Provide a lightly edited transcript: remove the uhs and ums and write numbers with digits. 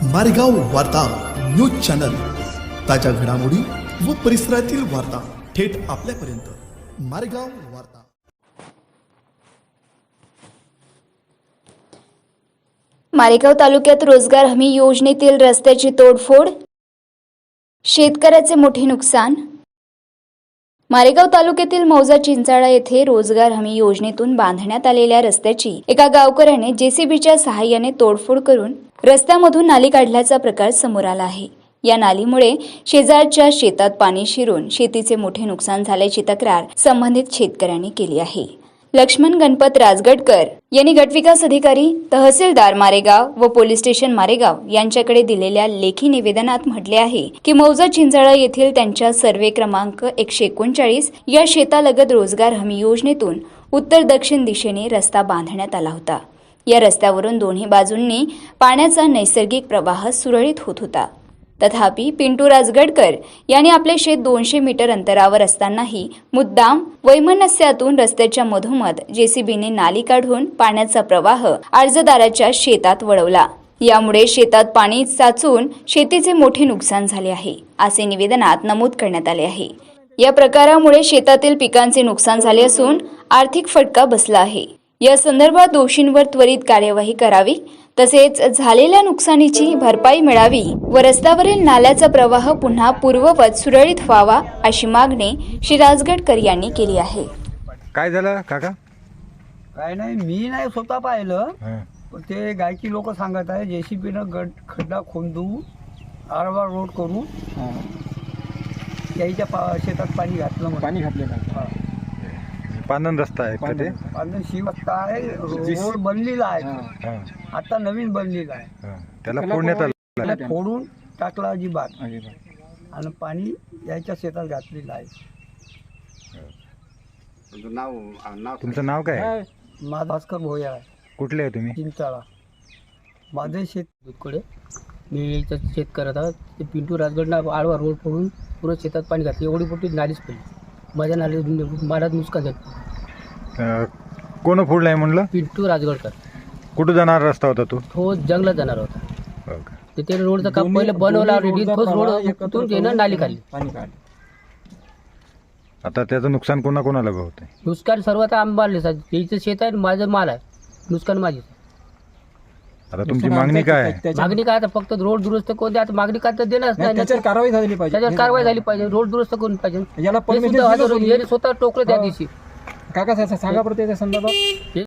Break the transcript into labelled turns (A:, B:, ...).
A: मारेगाव वार्ता news channel, ताज्या घडामोडी व परिसरातील वार्ता थेट आपल्यापर्यंत। मारेगाव वार्ता।
B: मारेगाव तालुक्यात रोजगार हमी योजनेतील रस्त्याची तोडफोड, शेतकऱ्याचे मोठे नुकसान। मारेगाव तालुक्यातील मौजा चिंचाळा येथे रोजगार हमी योजनेतून बांधण्यात आलेल्या रस्त्याची एका गावकऱ्याने जेसीबीच्या सहाय्याने तोडफोड करून रस्त्यामधून नाली काढल्याचा प्रकार समोर आला आहे। या नालीमुळे शेजारच्या शेतात पाणी शिरून शेतीचे मोठे नुकसान झाल्याची तक्रार संबंधित शेतकऱ्यांनी केली आहे। लक्ष्मण गणपत राजगडकर यांनी गटविकास अधिकारी, तहसीलदार मारेगाव व पोलीस स्टेशन मारेगाव यांच्याकडे दिलेल्या लेखी निवेदनात म्हटले आहे की मौजा चिंचाळा येथील त्यांच्या सर्वे क्रमांक 139 या शेतालगत रोजगार हमी योजनेतून उत्तर दक्षिण दिशेने रस्ता बांधण्यात आला होता। या रस्त्यावरून दोन्ही बाजूंनी पाण्याचा नैसर्गिक प्रवाह सुरळीत होत होता। तथापि पिंटू राजगडकर यांनी आपले शेत 200 मीटर अंतरावर असतानाही मुद्दाम वैमनस्यातून रस्त्याच्या मधोमध जेसीबीने नाली काढून पाण्याचा प्रवाह अर्जदाराच्या शेतात वळवला। यामुळे शेतात पाणी साचून शेतीचे मोठे नुकसान झाले आहे, असे निवेदनात नमूद करण्यात आले आहे। या प्रकारामुळे शेतातील पिकांचे नुकसान झाले असून आर्थिक फटका बसला आहे। या संदर्भात दोषींवर त्वरित कार्यवाही करावी, तसेच झालेल्या नुकसानीची भरपाई मिळावी व रस्त्यावरील नाल्याचा प्रवाह पुन्हा पूर्ववत सुरळीत व्हावा, अशी मागणी श्री राजगडकर यांनी केली आहे।
C: काय झालं काका?
D: काय नाही, मी नाही स्वतः पाहिलं, पण ते गायची लोक सांगत आहे जेसीबीनं खड्डा खोदून आरवा रोड करून त्याच्या शेतात पाणी घातलं म्हणून.
E: पाणी घातलेलं
C: पानन रस्ता आहे का ते?
D: पाणी शिवता आहे, रोड बनलेला आहे, आता नवीन बनलेला आहे,
C: त्याला फोडण्यात आलं,
D: त्याला फोडून टाकला अजिबात आणि पाणी याच्या शेतात घातलेलं आहे।
C: तुमचं नाव काय आहे?
D: माझा भास्कर भोया आहे,
C: कुठले आहे तुम्ही?
D: चिंचाळा। माझे शेत दुधकडे मी याच्यात शेत करत आहोत। ते पिंटू राजगडनं आडवा रोड फोडून पुरं शेतात पाणी घातलं, एवढी मोठी नालीच पडली, माझ्या नाली मला नुकसान झालं।
C: कोण फोडलाय म्हणलं?
D: पिंटू राजगडकर।
C: कुठं जाणार रस्ता होता तो
D: जंगलात जाणार होता,
C: हो का?
D: तर ते रोडचं काम पहिलं बनवला ऑलरेडी, तोच रोड उतरून त्यानं नाली काढली,
E: पाणी काढ.
C: आता त्याचं नुकसान कोणाकोणाला होत आहे?
D: नुकसान सर्वात आंबाले त्याचं शेत आहे, माझं माल आहे, नुकसान माझी।
C: आता तुमची मागणी काय आहे?
D: मागणी काय, आता फक्त रोड दुरुस्त कोणते, आता मागणी काय तर देणारच नाही,
E: त्याच्यावर कारवाई झाली पाहिजे,
D: त्याच्यावर कारवाई झाली पाहिजे, रोड दुरुस्त करून पाहिजे।
E: याला
D: हे सुद्धा स्वतः टोकलं त्या दिवशी।
E: काका सांगा बरं त्याच्या संदर्भात.